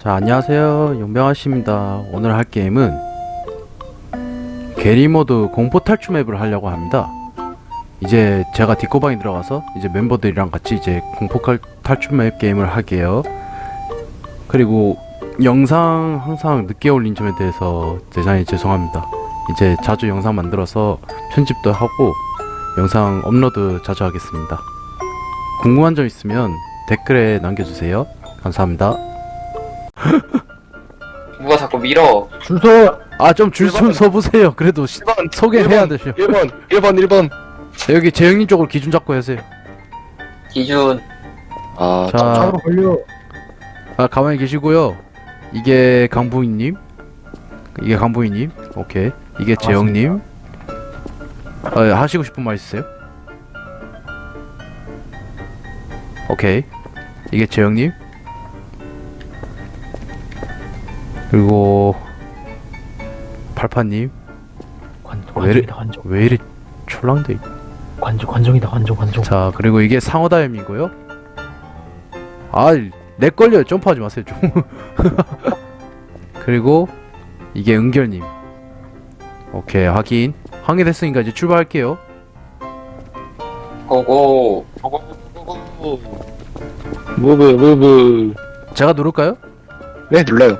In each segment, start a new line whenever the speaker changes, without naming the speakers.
자, 안녕하세요. 용병아씨입니다. 오늘 할 게임은 게리모드 공포 탈출 맵을 하려고 합니다. 이제 제가 디코방에 들어가서 이제 멤버들이랑 같이 이제 공포 탈출 맵 게임을 할게요. 그리고 영상 항상 늦게 올린 점에 대해서 대단히 죄송합니다. 이제 자주 영상 만들어서 편집도 하고 영상 업로드 자주 하겠습니다. 궁금한 점 있으면 댓글에 남겨주세요. 감사합니다.
누가 자꾸 밀어.
줄 서.
아, 좀 줄 좀 서보세요. 그래도
1번
소개해야 되죠.
1번
여기 재영님 쪽으로 기준 잡고 하세요.
기준.
아
자,
잡으러 걸려.
가만히 계시고요. 이게 강부인님, 이게 강부인님, 오케이. 이게 재영님. 하시고 싶은 말 있으세요? 오케이. 이게 재영님. 그리고 팔파님.
관종이다 관종.
왜 이리 촐랑대?
관종이다 관종.
자, 그리고 이게 상어다임이고요. 아, 렉 걸려요. 점프하지 마세요 좀. 그리고 이게 은결님. 오케이, 확인됐으니까 이제 출발할게요.
고고.
무브
제가 누를까요?
네 눌러요.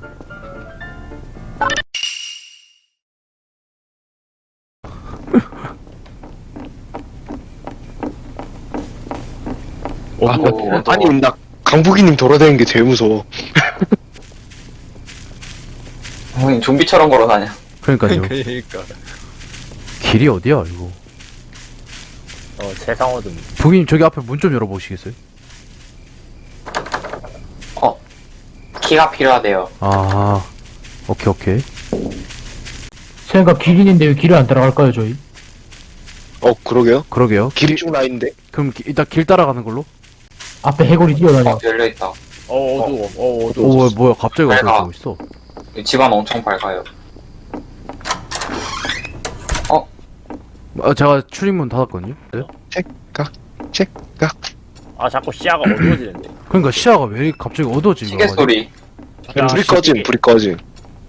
아니 나 강북이님 돌아다니는 게 제일 무서워.
형님 좀비처럼 걸어다녀.
그러니까요.
그러니까
길이 어디야 이거?
세상 어둠.
부기님 저기 앞에 문 좀 열어보시겠어요?
키가 필요하대요.
아, 오케이.
생각 길 있는데 왜 길을 안 따라갈까요 저희?
그러게요.
그러게요.
길이 쭉 나있는데.
그럼 일단 길 따라가는 걸로?
앞에 해골이 뛰어다녀.
열려있다.
어두워.
오, 뭐야 갑자기
밝아.
어디로 가고 있어?
집안 엄청 밝아요.
제가 출입문 닫았거든요. 네?
아 자꾸 시야가 어두워지는데.
그러니까 시야가 왜 갑자기 어두워지는
시계
거야?
소리.
불이 꺼짐.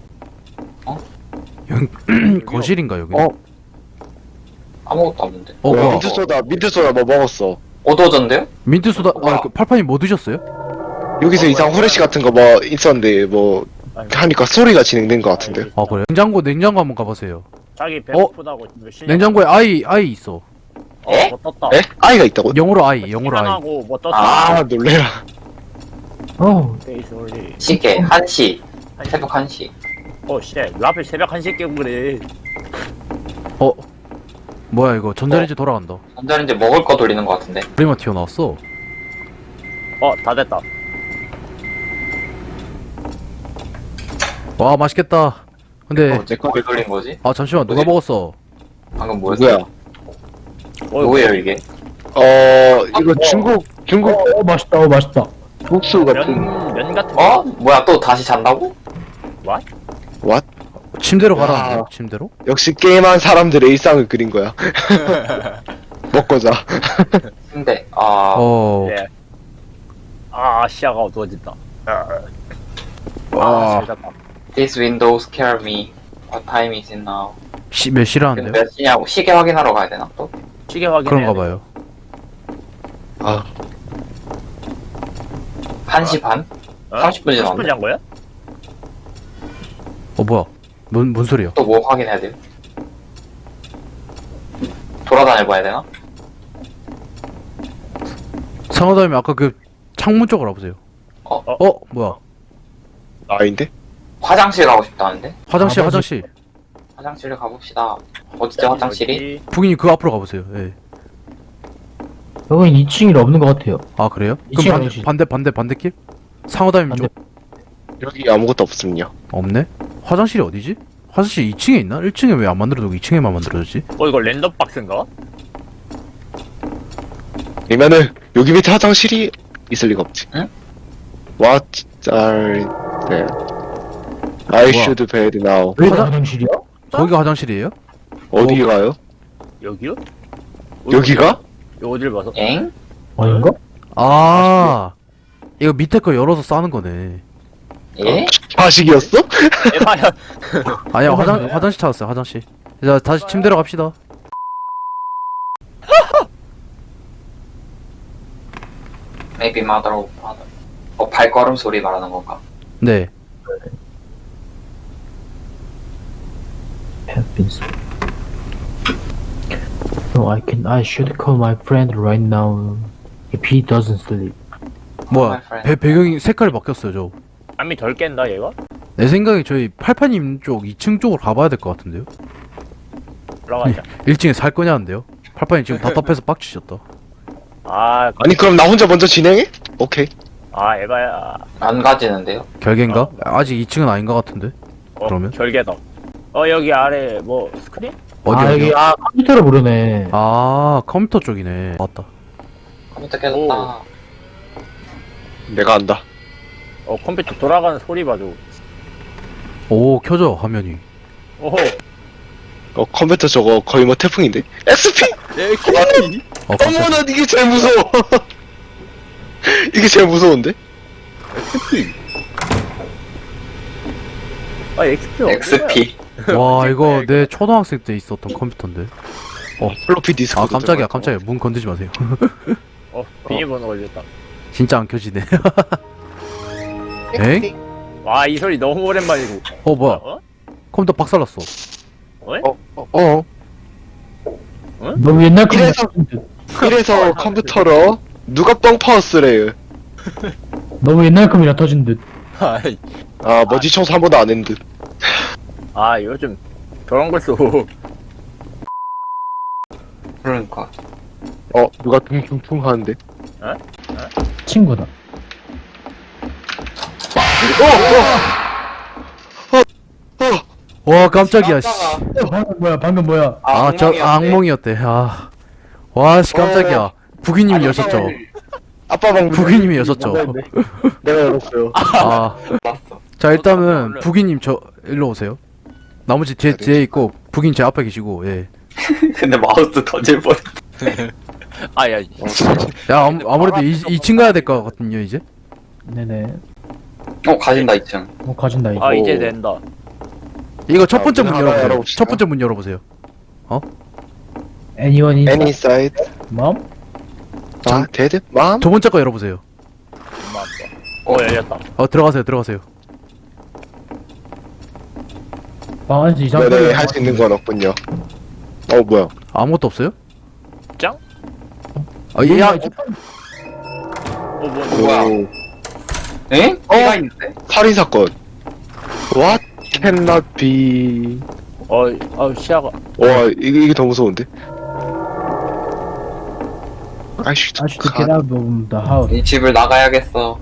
거실인가 여기?
아무것도 없는데.
뭐야?
민트소다 뭐 먹었어.
어두워졌는데요?
민트 소다. 팔판이 뭐 드셨어요?
여기서 이상 후레쉬 같은 거 뭐 있었는데 뭐 하니까 소리가 진행된 것 같은데.
아, 그래? 냉장고 한번 가보세요.
자기 배고프다고
냉장고에 아이 있어.
에?
뭐 떴다.
에? 아이가 있다고?
영어로 아이.
하고 뭐 떴어.
아 놀래라.
페이스 올리.
시계 1시. 새벽 1시.
쉣. 왜 하필 새벽 1시에 깨고 그래.
뭐야 이거 전자레인지 돌아간다.
전자레인지 먹을 거 돌리는 거 같은데.
프리마 튀어나왔어.
다 됐다.
와, 맛있겠다. 근데
뭘 돌린 거지?
잠시만, 누가 먹었어?
방금 뭐였어?
누구야?
뭐예요 이게?
이거 중국
맛있다. 맛있다.
국수 같은.
면 같은 거.
뭐야 또 다시 잔다고?
침대로
와.
가라는데요? 침대로?
역시 게임한 사람들의 일상을 그린 거야. 먹고 자.
근데
네. 시야가 어두워진다.
와.
잘 잤다.
This window scare me. What time is it now?
몇
지금
시라는데요?
몇 시냐고 시계 확인하러 가야 되나 또?
시계 확인해.
그런가 봐요.
1시 반? 30분 지났네.
30분 잔 거야?
뭐야? 뭔 소리야?
또 뭐 확인해야 돼요? 돌아다녀 봐야 되나?
상어다님이 아까 그 창문 쪽으로 와보세요. 뭐야?
아인데?
화장실 가고 싶다는데?
화장실.
화장실을 가봅시다. 어디죠 화장실이?
부기님 그 앞으로 가보세요. 예.
여긴 2층이 없는 것 같아요.
아, 그래요?
이층
그럼
화장실.
반대길? 상어다님 쪽
여기 아무것도 없음요.
없네? 화장실이 어디지? 화장실 2층에 있나? 1층에 왜 안 만들어두고 2층에만 만들어졌지?
이거 랜덤 박스인가?
그러면은 여기 밑에 화장실이 있을 리가 없지.
응?
What are there? I should bed now.
여기가 화장실이야?
거기가 화장실이에요?
어디 가요?
여기요?
여기가?
요 어딜 봐서?
엥?
아닌가?
이거 밑에 거 열어서 싸는 거네.
예?
자식이었어?
에바야.
아니야 화장실 찾았어요 화장실. 자 다시 침대로 갑시다.
Maybe mother or father. 발걸음 소리 말하는 건가?
네.
Have been so. No, I should call my friend right now if he doesn't sleep.
뭐야
my friend.
배경이 색깔이 바뀌었어요 저.
잠이 덜 깬다 얘가?
내 생각에 저희 팔파님 쪽 2층 쪽으로 가봐야 될 것 같은데요.
올라가자.
1층에 살 거냐는데요. 팔파님 지금 답답해서 빡치셨다.
아,
아니 그럼 나 혼자 먼저 진행해? 오케이.
에바야.
안 가지는데요?
결계인가? 아직 2층은 아닌 것 같은데. 그러면?
결계다. 여기 아래 뭐 스크린?
어디
아,
어디?
여기, 컴퓨터를 부르네.
아 컴퓨터 쪽이네. 맞다.
컴퓨터 깨졌다.
내가 안다.
컴퓨터 돌아가는 소리 봐줘.
오 켜져 화면이.
오호.
컴퓨터 저거 거의 뭐 태풍인데. SP!
깜짝이야.
어머나 이게 제일 무서워. 이게 제일 무서운데?
XP 어디야?
XP.
와 이거 내 초등학생 때 있었던 컴퓨터인데.
플로피 디스크.
아 깜짝이야. 문 건드지 마세요.
비밀번호 걸렸다.
진짜 안 켜지네. 엥?
와, 이 소리 너무 오랜만이고.
뭐야?
어?
컴퓨터 박살났어.
너무 옛날 컴퓨터.
이래서 컴퓨터로 누가 뻥 파웠으래요.
너무 옛날 컴이라 터진 듯.
아이,
아 먼지 청소 한 번도 안 했는 듯.
요즘 저런 걸 써.
그러니까.
누가 퉁퉁퉁 하는데.
친구다.
와 깜짝이야. 씨.
방금 뭐야.
저 악몽이었대. 와씨 깜짝이야. 부기님이 여셨죠.
아빠 방
부기님이 여셨죠.
내가 열었어요.
났어.
자 일단은 부기님 저 일로 오세요. 나머지 뒤에 있고 부기님 제 앞에 계시고 예.
근데 마우스 터질 뻔.
야,
야 아무래도 2층 가야 될 것 같거든요 이제.
네네.
가진다 2층.
가진다, 이거.
이제 된다.
이거 첫 번째 문
하나
열어보세요.
열어봅시다.
첫 번째 문 열어보세요.
Anyone in
Any side?
mom?
아 데드? 맘?
두 번째 거 열어보세요.
엄마 아빠. 열렸다.
들어가세요.
방 안에서 이상한
네네
소리가
할 수 있는 건 없군요. 뭐야?
아무것도 없어요?
짱?
야
뭐야?
오,
엥? 피가 있는데?
살인 사건. What cannot be?
시야가.
와 이게 더 무서운데? 아이씨.
I should get out of the house.
이 집을 나가야겠어.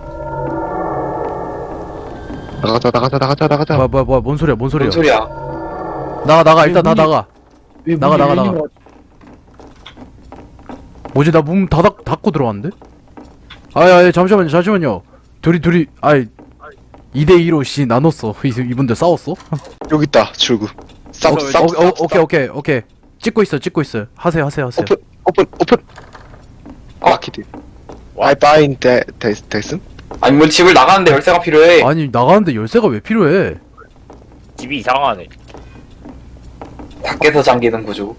나가자.
뭐야 뭔 소리야?
뭔 소리야?
나가 일단 다
문이-
나가.
왜
나가,
문이
나가.
열리는 거
뭐지 나 문 닫고 들어왔는데? 아야 잠시만요. 둘이 2대2로 씨 나눴어. 이분들 싸웠어?
여기 있다 출구. 싸.
오케이. 찍고 있어요. 하세요.
오픈. 마키드. I bind 됐음?
아니 뭐 집을 나가는데 열쇠가 필요해.
아니 나가는데 열쇠가 왜 필요해?
집이 이상하네.
밖에서 잠기는 구조.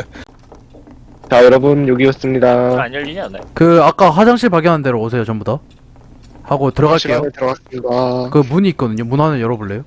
자 여러분 여기였습니다.
안 열리지 않아요?
그 아까 화장실 발견한 대로 오세요 전부 다. 하고 들어갈게요.
시간에 들어갔습니다.
그 문이 있거든요. 문 하나 열어볼래요?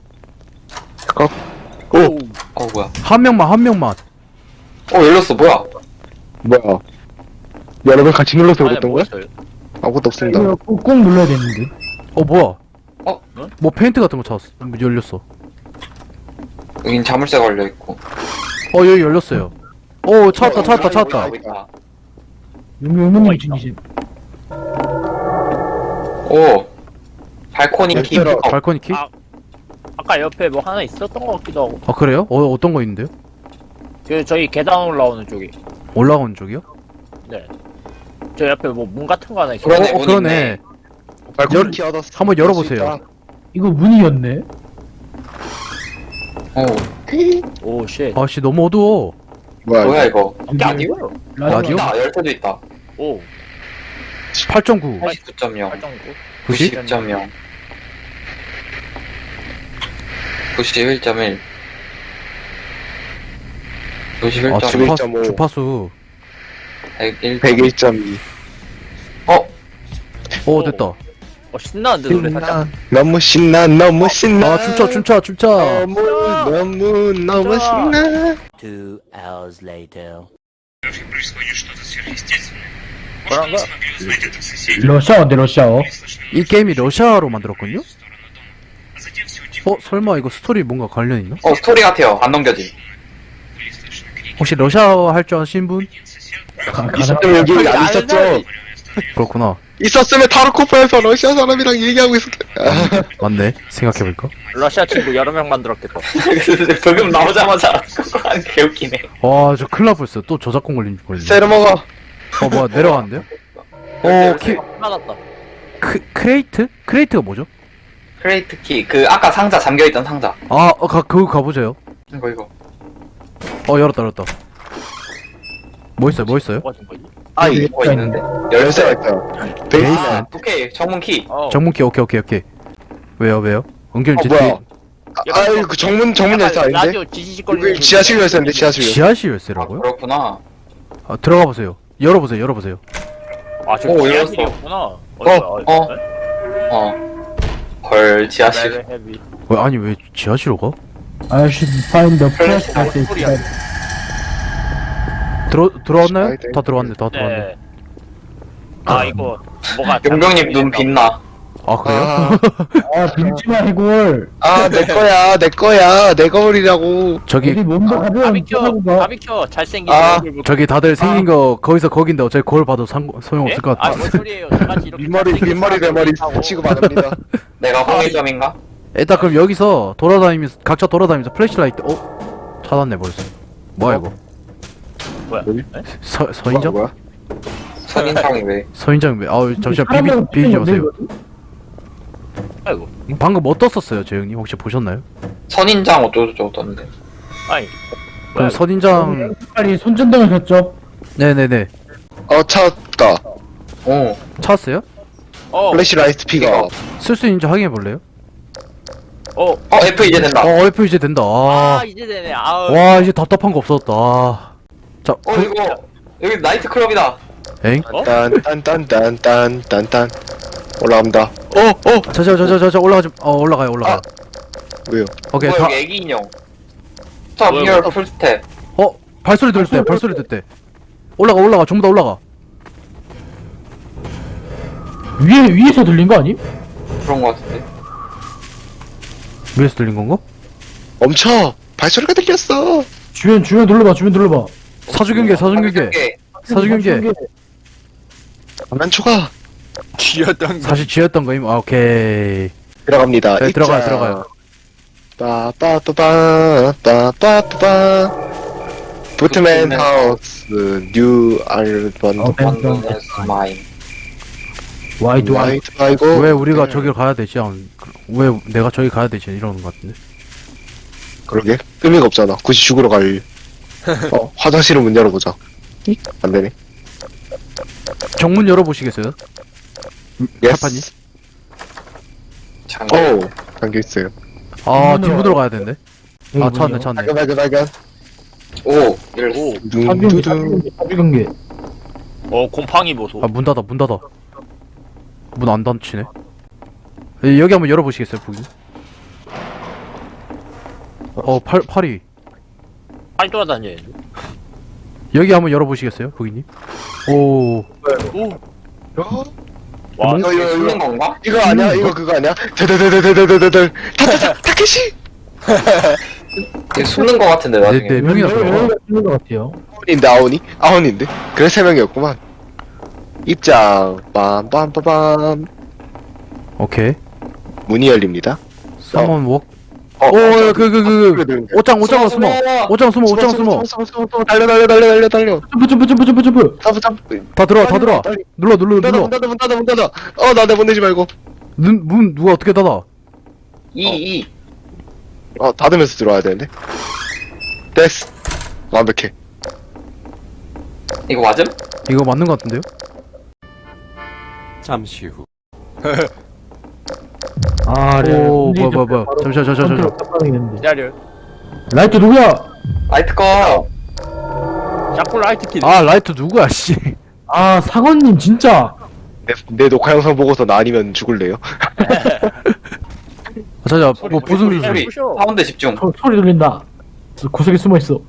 뭐야?
한 명만.
열렸어. 뭐야?
뭐야? 여러분 같이 눌러서
안에
그랬던
뭐
거야?
있어요?
아무것도 없습니다.
이거 꾹 눌러야 되는데.
뭐야?
응?
뭐 페인트 같은 거 찾았어. 열렸어.
여긴 자물쇠 걸려 있고.
여기 열렸어요. 찾았다.
용무님 중이신.
발코니 키.
열쇠로-
발코니 키?
아까 옆에 뭐 하나 있었던 것 같기도 하고.
그래요? 어떤 거 있는데요?
저희 계단 올라오는 쪽이.
올라오는 쪽이요?
저 옆에 뭐 문 같은 거 하나 있어.
그러네. 문
그러네.
발코니 키 얻었어.
한번 열어보세요.
이거 문이었네.
오, 쉣.
아씨 너무 어두워.
뭐야 이거?
라디오?
라디오?
있다. 열쇠도 있다.
오,
8.9.
89.0.
8.9.
90?
90.0. 91.1.
아
91.1.
주파수
101.
101.2.
오 됐다.
신나는데 노래 살짝.
너무 신나 너무 신나.
아 춤춰
너무 신나.
2 hours later.
그런 거.
러시아어인데 러시아어.
이 게임이 러시아로 만들었군요? 설마 이거 스토리 뭔가 관련 있나?
스토리 같아요. 안 넘겨짐.
혹시 러시아어 할 줄 아시는 분?
있었으면 여기 안 있었죠.
그렇구나.
있었으면 타르코프에서 러시아 사람이랑 얘기하고 있었대.
맞네. 생각해보니까.
러시아 친구 여러 명 만들었겠다.
방금 나오자마자 그거 하는 게 개웃기네.
와, 저 큰일 날 뻔했어요. 또 저작권 걸린 줄 몰랐네.
세르 먹어.
뭐야, 내려가는데요?
맞았다.
크레이트? 크레이트가 뭐죠?
크레이트 키. 아까 상자 잠겨있던 상자.
그거 가보세요.
이거.
열었다. 뭐 있어요?
뭐가 된 거지?
아이
뭐가 있는데?
열쇠가
열쇠.
있다.
베이스맨.
오케이. 정문 키.
정문키, 오케이. 왜요? 은결
뭐야? 아이 그 정문 열쇠 아닌데?
라디오 지지직 걸리는
이거 지하실 열쇠인데 지하실 열쇠.
지하실 열쇠라고요?
그렇구나.
들어가 보세요. 열어보세요.
저
오,
지하실이었구나.
헐, 지하실.
왜 지하실로 가?
I should find the press message.
소리야.
들어왔나요?
네.
다 들어왔네.
네. 이거 뭐가
용병님 눈 빛나.
그래요?
빈지마 해골.
내 거야. 내 거울이라고.
저기
어디 몸도 가벼운
바비큐 잘생긴 얼굴 보고.
저기 다들 생긴 거 거긴데 어차피 거울 봐도 소용없을 것 같아.
뭔 소리예요? 저같이 이렇게
윗머리 내 머리 치고 받습니다.
내가 홍일점인가?
일단 그럼 여기서 각자 돌아다니면서 플래시라이트 찾았네 벌써. 뭐야 이거?
뭐야?
서인장?
뭐야?
선인장이 왜?
서인장 잠시만 비비지 마세요.
아이고.
방금 뭐 떴었어요 재영님 혹시 보셨나요?
선인장 어쩌고저쩌고 떴는데.
아니.
그럼 선인장
빨리 손전등을 켰죠.
네네네
찾았다.
오.
찾았어요?
플래시라이트 피가.
쓸 수 있는지 확인해 볼래요?
F 이제 된다.
F 이제 된다.
이제 되네.
와 이제 답답한 거 없어졌다. 자
이거 여기 나이트 클럽이다.
엥?
딴딴딴딴딴딴 올라갑니다.
자 올라가요.
왜요?
오케이
여기 애기 인형. 스톱 히어 풀스텝.
발소리 들을 때 올라가 전부 다 올라가.
위에서 들린 거 아니?
그런 거 같은데.
위에서 들린 건가?
멈춰. 발소리가 들렸어.
주변 눌러봐.
사주경계
가만 초가.
사실 지었던 거임. 오케이.
들어갑니다.
네, 들어가요.
빠빠빠빠빠빠빠. 부트맨 하우스 뉴 알번.
완전히 마인.
Why do I?
와이드 아이고.
왜 우리가 저기를 가야 되지? 왜 내가 저기 가야 되지? 이러는 것 같은데.
그러게 의미가 없잖아. 굳이 죽으러 갈. 화장실을 문 열어보자. 안 되네.
정문 열어보시겠어요? 카파님?
잠겨 있어요.
뒷문으로 가야 되는데. 찾았네.
발견.
오, 열렸어.
둥두둥.
사비관계.
곰팡이 보소.
문 닫아. 문 안 닫히네. 여기 한번 열어보시겠어요, 보기? 팔이.
팔 돌아다녀.
여기 한번 열어보시겠어요, 보기님? 오.
와,
이거
숨는 건가?
이거 아니야? 이거 그거 아니야? 데데데데데데데데 타케시.
이거 숨는 거 같은데 나중에.
네 명이나 들어가.
있는 것 같아요.
아혼인데? 그래 3명이었구만. 입장 빰빰빰빰.
오케이.
문이 열립니다.
쌍원 웍.
그래.
옷장 숨어.
달려.
점프.
점프.
다 들어와. 눌러.
문 닫아. 나 내보내지 말고.
문 누가 어떻게 닫아?
이.
닫으면서 들어와야 되는데. 됐어. 완벽해.
이거 맞음?
이거 맞는 것 같은데요?
잠시 후.
아, 네.
오 뭐야 잠시만
기다려.
라이트 누구야?
라이트 꺼.
자꾸 라이트 킬.
아 라이트 누구야 씨.
아, 사관님 진짜.
내 녹화 영상 보고서 나 아니면 죽을래요?
자자 뭐 무슨
소리,
소리?
부셔.
사운드 집중.
소리 들린다. 저 구석에 숨어 있어.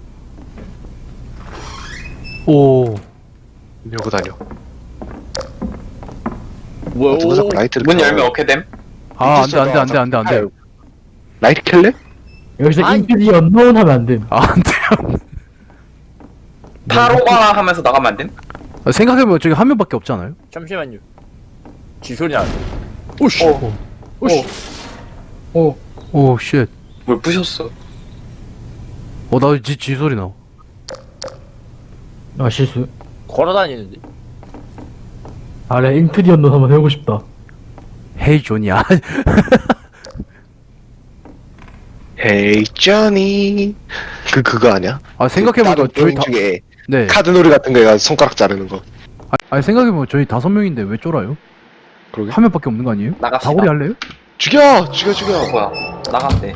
오
이러고 다녀.
뭐야?
누가 자꾸 라이트를
문
켜.
열면 어떻게 됨?
아 안돼.
라이트 켤래?
여기서
아이.
인피디 언노운 하면 안 됨.
아 안돼.
타로가 하면서 나가면 안 됨?
생각해보면 저기 한 명밖에 없잖아요.
잠시만요. 쥐 소리 나네. 오씨.
어.
오씨.
오 쉣.
뭘 부셨어?
어나지 소리 나.
아, 실수.
걸어다니는데.
아, 래 인피디 언노운 한번 해보고 싶다.
헤이 존이야.
Hey Johnny. 그거 아니야?
아 생각해보니까
다른
저희
게임
다
중에
네.
카드놀이 같은 거 해가지고 손가락 자르는 거.
아니 생각해보면 저희 5명인데 왜 쫄아요?
그러게.
한 명밖에 없는 거 아니에요?
나갑시다.
다구리 할래요?
죽여!
어, 뭐야? 나간대.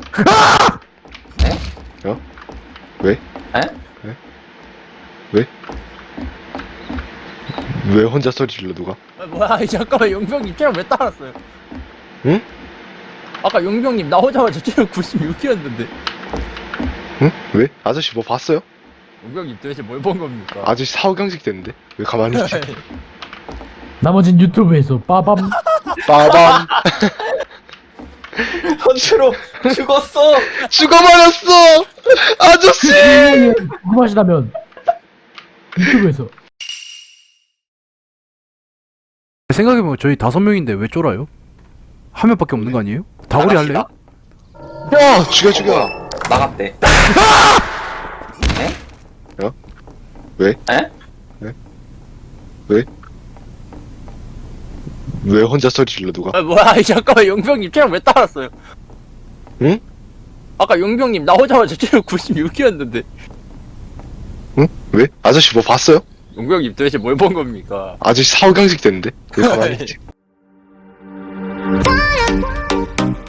왜 혼자 소리 질러 누가?
아, 뭐야? 이 잠깐만 용병님 체력 왜 따랐어요?
응?
아까 용병님 나오자마자 체력 96이었는데.
응? 왜? 아저씨 뭐 봤어요?
용병님 도대체 뭘 본 겁니까?
아저씨 사후경직 됐는데 왜 가만히 있지?
나머진 유튜브에서 빠밤.
빠밤.
선수로 죽었어.
죽어버렸어! 아저씨!
궁금하시다면 유튜브에서.
생각해보면 저희 5명인데 왜 쫄아요? 한 명밖에 없는 거 아니에요? 다구리 할래요?
야! 죽여!
나갔대.
왜 혼자 소리 질러 누가?
아, 뭐야? 이 잠깐만 용병님 체력 왜 따랐어요?
응?
아까 용병님 나오자마자 체력 96이었는데.
응? 왜? 아저씨 뭐 봤어요?
용병님 도대체 뭘 본 겁니까?
아저씨 사후경직 됐는데 왜 가만히 있지?